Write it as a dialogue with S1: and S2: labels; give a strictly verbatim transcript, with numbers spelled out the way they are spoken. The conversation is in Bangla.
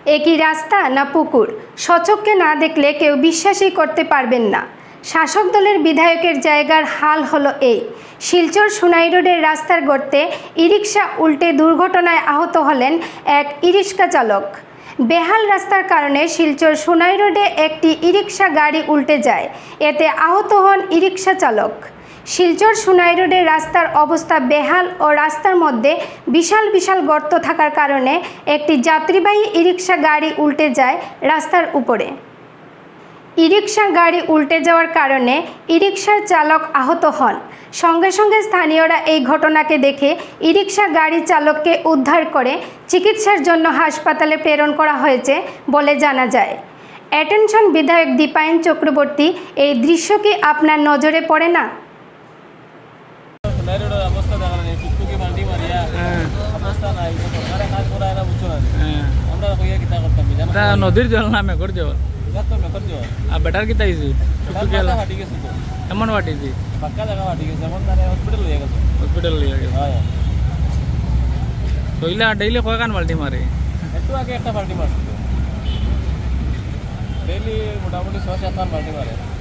S1: একই রাস্তা না পুকুর, স্বচক্ষে না দেখলে কেউ বিশ্বাসই করতে পারবেন না। শাসক দলের বিধায়কের জায়গার হাল হলো এই। শিলচর সুনাই রোডের রাস্তার গর্তে ই-রিকশা উল্টে দুর্ঘটনায় আহত হলেন এক ই-রিকশা চালক। বেহাল রাস্তার কারণে শিলচর সুনাই রোডে একটি ই-রিকশা গাড়ি উল্টে যায়, এতে আহত হন ই-রিকশা চালক। শিলচর সুনাই রোডের রাস্তার অবস্থা বেহাল ও রাস্তার মধ্যে বিশাল বিশাল গর্ত থাকার কারণে একটি যাত্রীবাহী ই-রিকশা গাড়ি উল্টে যায় রাস্তার উপরে। ই-রিকশা গাড়ি উল্টে যাওয়ার কারণে ই-রিকশার চালক আহত হন। সঙ্গে সঙ্গে স্থানীয়রা এই ঘটনাকে দেখে ই-রিকশা গাড়ি চালককে উদ্ধার করে চিকিৎসার জন্য হাসপাতালে প্রেরণ করা হয়েছে বলে জানা যায়। অ্যাটেনশন বিধায়ক দীপায়ন চক্রবর্তী, এই দৃশ্য কি আপনার নজরে পড়ে না?
S2: নদীর জল না মেঘর জল আর বেটার কিতা হয়েছে এমন ফাটিছে হসপিটাল লিয়ে গেছে তইলা ডেইলি কয় কান বাল্টি মারে?
S3: একটু আগে একটা বাল্টি মারছিল, ডেইলি মোটামুটি ছয় সাত বাল্টি মারে।